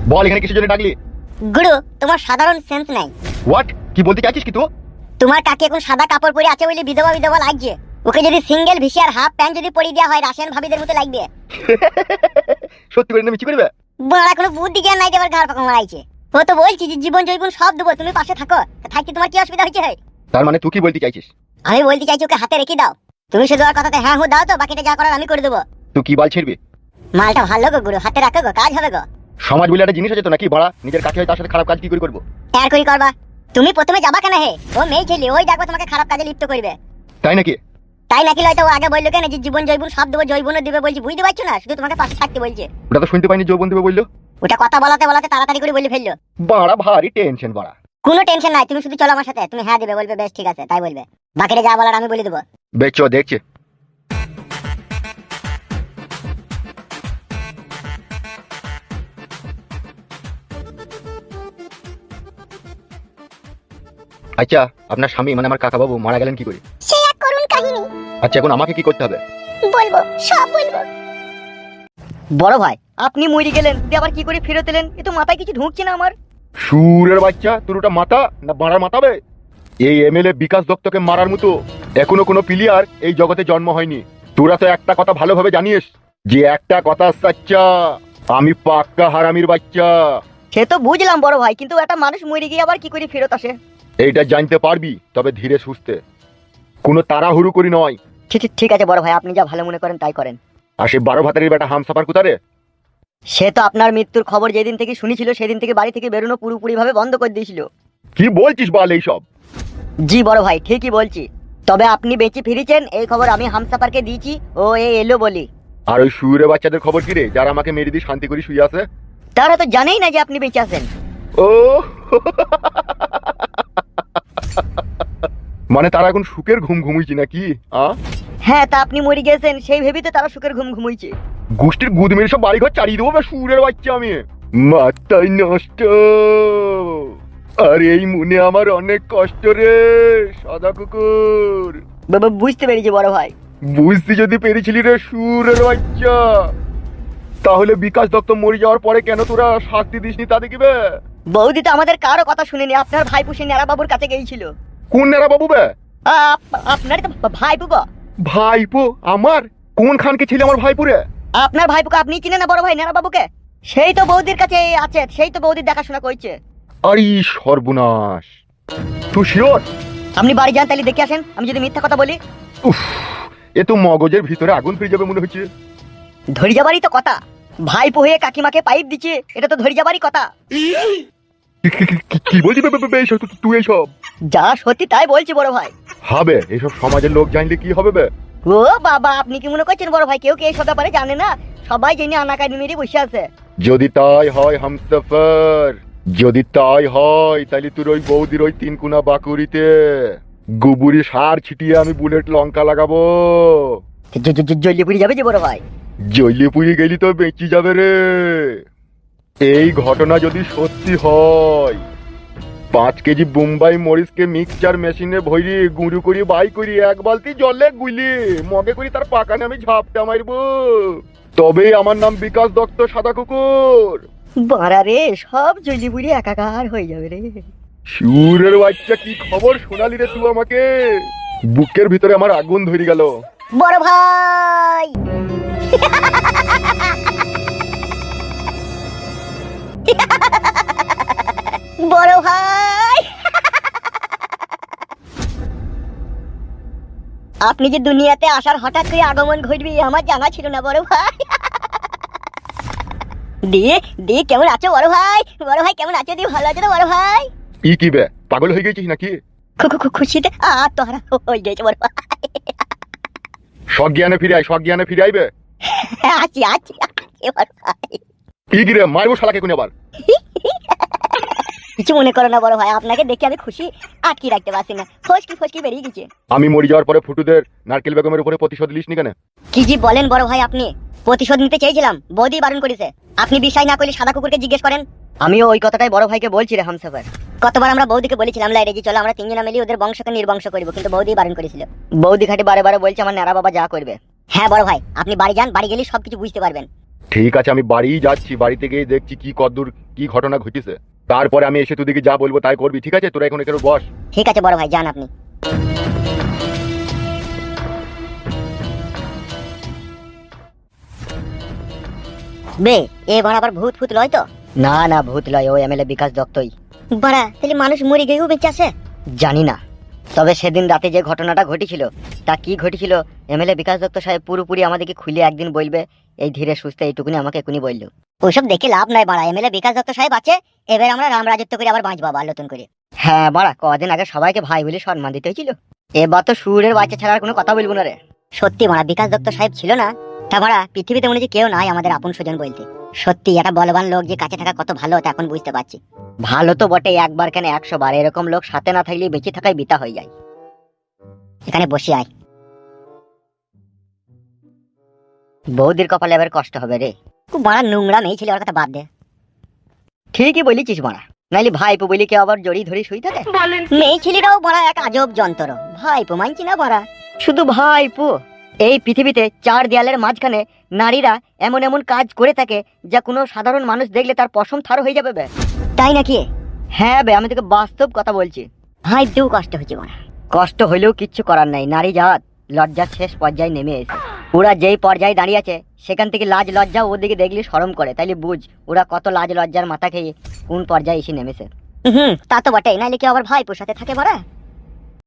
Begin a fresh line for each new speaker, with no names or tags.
বল এখানে কিসের জন্য ডাকলি?
গুরু, তোমার সাধারণ সেন্স নাই।
হোয়াট? কি বলতে চাইছিস কি তুই?
তোমার কাকি এখন সাদা কাপড় পরে আছে বলে বিধবা বিধবা লাগছে। ওকে যদি সিঙ্গেল ভিসি আর হাফ প্যান্ট যদি পরিয়ে দেওয়া হয় রাশিয়ান ভাবিদের মতো লাগবে।
সত্যি করে না মিছি করবে?
বড়া কোনো বুদ্ধি জ্ঞান নাই, দেবার ঘাড় পাকা মারাইছে। ও তো বলছি যে জীবন জৈবন সব দেবো, তুমি পাশে থাকো। থাকতে তোমার কি অসুবিধা হচ্ছে?
তার মানে তুই কি বলতে চাইছিস?
আমি বলতে চাইছি ওকে হাতে রেখে দাও। তুমি শুধু আর কথাতে হ্যাঁ দাও তো, বাকিটা যা করার আমি করে দেবো।
তুই কি বাল ছিড়বি?
মালটা ভালো গো গুরু, হাতে রাখো গো, কাজ হবে গো।
সমাজ বলে একটা জিনিস আছে তো নাকি বাড়া? নিজের কাকে হয় তার সাথে খারাপ কাজ কি করে করবো?
আর করি করবা। তুমি প্রথমে যাবা কেন হে? ও মেয়ে ছেলে, ওই দেখো তোমাকে খারাপ কাজে লিপ্ত করবে।
তাই নাকি?
তাই নাকি লয়তো ও আগে বললো কেন যে জীবন জৈবন সব দেবো, জৈবনও দিবে বলছি, বুঝতে পারছো না? শুধু তোমাকে পাশে থাকতে বলছে।
ওটা তো শুনতে পাইনি যৌবন দেবে বললো।
ওটা কথা বলাতে বলাতে তাড়াতাড়ি করে বলে ফেললো।
বাড়া ভারী টেনশন বাড়া।
কোনো টেনশন নাই, তুমি শুধু চলো আমার সাথে। তুমি হ্যাঁ দিবে, বলবে বেশ ঠিক আছে তাই বলবে। বাকিটা যা বলার আমি বলে দেবো।
বেচো দেখছে। আচ্ছা, আপনার স্বামী মানে আমার কাকা বাবু মারা গেলেন কি করে?
সে এক করুণ কাহিনী।
আচ্ছা, এখন আমাকে কি করতে হবে?
বলবো, সব বলবো। বড় ভাই, আপনি মরে গেলেন দিয়ে আবার কি করে ফেরত এলেন? এ তো মাথায় কিছু ঢুকছে না আমার।
সুরের বাচ্চা, তোর ওটা মাথা না বাড়ার মাথাবে? এই এমএলএ বিকাশ দত্তকে মারার মতো এখনো কোনো প্লেয়ার এই জগতে জন্ম হয়নি। তোরা তো একটা কথা ভালোভাবে জানিস যে একটা কথা সাচ্চা, আমি পাক্কা হারামির বাচ্চা।
সে তো বুঝলাম বড় ভাই, কিন্তু একটা মানুষ মরে গিয়ে আবার কি করে ফেরত আসে?
এইটা জানতে পারবি, তবে ধীরে সুস্থে, কোনো তাড়াহুড়ো করি নয়।
ঠিক আছে বড় ভাই, আপনি যা ভালো মনে করেন তাই করেন।
আর সে 12 ভাতারের বেটা হামসাফার কোথারে?
সে তো আপনার মৃত্যুর খবর যেদিন থেকে শুনেছিল সেদিন থেকে বাড়ি থেকে বেরোনো পুরোপুরি ভাবে বন্ধ করে দিয়েছিল।
কি বলছিস বল এইসব?
জি বড় ভাই, ঠিকই বলছি। তবে আপনি বেঁচে ফিরেছেন এই খবর আমি হামসাফারকে দিয়েছি, ও এলো বলি।
আর ওই সুরে বাচ্চাদের খবর কি রে, যারা আমাকে মেরে দিয়ে শান্তি করে শুয়ে আছে?
তারা তো জানেই না যে আপনি বেঁচে আছেন।
ও মানে তারা এখন সুখের ঘুম ঘুমুইছি নাকি?
হ্যাঁ, তা আপনি মরে গেছেন সেই ভেবেই তো তারা সুখের ঘুম ঘুমুইছে।
গোষ্ঠীর গুদ মেরে সব বাড়িঘর চালিয়ে দেবো সুরের বাচ্চা আমি। মাথায় নষ্ট। আর এই মনে আমার অনেক কষ্ট রে সাদা কুকুর।
বুঝতে পেরেছি বড় ভাই।
বুঝতে যদি পেরেছিলি রে সুরের বাচ্চা, তাহলে বিকাশ দত্ত মরে যাওয়ার পরে কেন তোরা শাস্তি দিসনি তা দেখিবে?
বৌদি তো আমাদের কারো কথা শুনেনি, আপনার ভাইপো সে নেড়া বাবুর কাছে গিয়েছিল।
কোন নেড়া বাবু বে?
আপনার তো ভাইপো গো।
ভাইপো আমার? কোন খানকে ছিল আমার ভাইপুরে?
আপনার ভাইপোকে আপনি চিনেন না বড় ভাই, নেড়া বাবুকে? সেই তো বৌদির কাছে আছে, সেই তো বৌদির দেখাশোনা করছে।
আরে সর্বনাশ, তুই শিওর?
আপনি বাড়ি যান তাহলে দেখে আসেন, আমি যদি মিথ্যা কথা বলি।
উফ, এ তো মগজের ভিতরে আগুন ফিরে যাবে মনে হচ্ছে।
ধরে যাবারই তো কথা। ভাইপো হয়ে কাকিমাকে পাইপ দিচ্ছে, এটা তো ধরে যাবারই কথা।
কি বলছিস তুই এইসব?
যা সত্যি তাই বলছি বড় ভাই।
হবে এইসব সমাজের লোক জানলে কি হবে বে?
ও বাবা, আপনি কি মনে করছেন বড় ভাই কেউ কি এইসব ব্যাপারে জানে না? সবাই জেনে আনাকানি মেরে বসে আছে।
যদি তাই হয় হামসফার, যদি তাই হয় তাহলে তোর ওই বৌদির ওই 3 কোনা বাকুরিতে গোবরি সার ছিটিয়ে আমি বুলেট লঙ্কা লাগাবো।
জ্বলিয়ে পুড়ে যাবে যে বড় ভাই।
জ্বলিয়ে পুড়ে গেলি তো বেঁচে যাবে রে। এই ঘটনা যদি সত্যি হয়, 5 কেজি বোম্বাই মরিচকে মিক্সচার মেশিনে ভরি গুঁড়ো করি বাই করি 1 বালতি জলে গুলি মগে করি তার পাকানে আমি ঝাপটা মারবো, তবে আমার নাম বিকাশ দত্ত সাদা কুকুর।
বাড়া রে, সব জ্বলিয়ে পুড়ে একাকার হয়ে যাবে রে।
সুরের বাচ্চা, কি খবর শোনালি রে তুই আমাকে? বুকের ভিতরে আমার আগুন ধরে গেল।
বড় ভাই বড় ভাই, আপনি যে দুনিয়াতে আসার হঠাৎ করে আগমন ঘটবে আমার জানা ছিল না বড় ভাই। দিয়ে দিয়ে কেমন আছো বড় ভাই? বড় ভাই কেমন আছো? দিয়ে ভালো আছো তো বড় ভাই?
কি বে, পাগল হয়ে গেছিস নাকি?
খুশিতে আত্মহারা হয়ে গেছে বড় ভাই।
সজ্ঞানে ফিরে আয়, সজ্ঞানে ফিরে আইবে।
আছি আছি বড় ভাই।
কি রে, মারবো শালাকে কোন আবার?
কিছু মনে করো না বড় ভাই, আপনাকে দেখে আমি খুশি আটকে রাখতে পারছি না, ফসকি ফসকি বেরিয়ে গেছে।
আমি মরে যাওয়ার পরে ফুটুদের নারকেল বেগমের উপরে প্রতিশোধ লিসনি কেন?
কি জি বলেন বড় ভাই, আপনি? প্রতিশোধ নিতে চেয়েছিলাম, বৌদি বারণ করেছে। আপনি বিশ্বাস না করলে সাদা কুকুরকে জিজ্ঞেস করেন। আমিও ওই কথাটাই বড় ভাইকে বলছি রে হামসাফার। কতবার আমরা বৌদিকে বলেছিলাম লাইরে জি চলো আমরা 3 জনা মিলে ওদের বংশকে নির্বংশ করব, কিন্তু বৌদি বারণ করেছিল। বৌদি খাটে বারে বারে বলছে আমার নেড়া বাবা যা করবে। হ্যাঁ বড় ভাই, আপনি বাড়ি যান, বাড়ি গেলে সবকিছু বুঝতে পারবেন।
ঠিক আছে, আমি বাড়িই যাচ্ছি, বাড়িতে গিয়ে দেখছি কি কদ্দূর কি ঘটনা ঘটেছে। তারপরে আমি এসে তোদেরকে যা বলবো তাই করবি, ঠিক আছে? তোরা এখন এখানে বস।
ঠিক আছে বড় ভাই, যান আপনি। বে, এ বাড়া আবার ভূত ফুত লয় তো? না না, ভূত লয়, ও এমএলএ বিকাশ দত্তই। বাড়া, তাহলে মানুষ মরে গিয়েও বেঁচে আছে? জানি না, তবে সেদিন রাতে যে ঘটনাটা ঘটেছিল, তা কি ঘটেছিল এমএলএ বিকাশ দত্ত সাহেব পুরোপুরি আমাদেরকে খুলে একদিন বলবে। এই ধীরে সুস্থে এইটুকুনি আমাকে এখনই বললো। ওইসব দেখে লাভ নাই বাড়া, এমএলএ বিকাশ দত্ত সাহেব আছে, এবার আমরা রাম রাজত্ব করে আবার বাঁচবো আবার নতুন করে। হ্যাঁ বাড়া, কদিন আগে সবাইকে ভাই বলে সম্মান দিতে হয়েছিল, এবার তো সুরের বাচ্চা ছাড়ার কোনো কথা বলবো না রে। সত্যি বাড়া, বিকাশ দত্ত সাহেব ছিল না, তা বাড়া পৃথিবীতে মনে হচ্ছে কেউ নাই আমাদের আপন স্বজন বলতে। সত্যি একটা বলবান লোক যে কাছে থাকা কত ভালো, তা এখন বুঝতে পারছি। ভালো তো বটে, একবার কেন 100 বার, এরকম লোক সাথে না থাকলে বেঁচে থাকাই বিতা হয়ে যায়। এখানে বসে আয়। বৌদির কপালে এবার কষ্ট হবে রে। খুব বড় নোংরা মেয়ে ছিল, ওর কথা বাদ দে। ঠিকই বলেছিস মারা, নাইলে ভাইপো বলি কেউ আবার জড়ি ধরে শুই থাকে। মেয়ে ছেলেটাও বড় এক আজব যন্ত্র, ভাইপো মানছি না বড়া, শুধু ভাইপো। এই পৃথিবীতে 4 দেয়ালের মাঝখানে নারীরা এমন এমন কাজ করে থাকে যা কোনো সাধারণ মানুষ দেখলে তার পশম থার হয়ে যাবে বে। তাই নাকি? হ্যাঁ বে, আমি তোকে বাস্তব কথা বলছি। ভাইপো কষ্ট হচ্ছে বড়া। কষ্ট হইলেও কিচ্ছু করার নাই, নারী জাত লজ্জার শেষ পর্যায়ে নেমে এসে ওরা যেই পর্যায়ে দাঁড়িয়ে আছে, সেখান থেকে লাজ লজ্জা ওদিকে দেখলে শরম করে, তাইলে বুঝ ওরা কত লাজ লজ্জার মাথা খেয়ে কোন পর্যায়ে এসে নেমেছে। তা তো বটেই, নাইলে কি আবার ভাইপোর সাথে থাকে বড়া।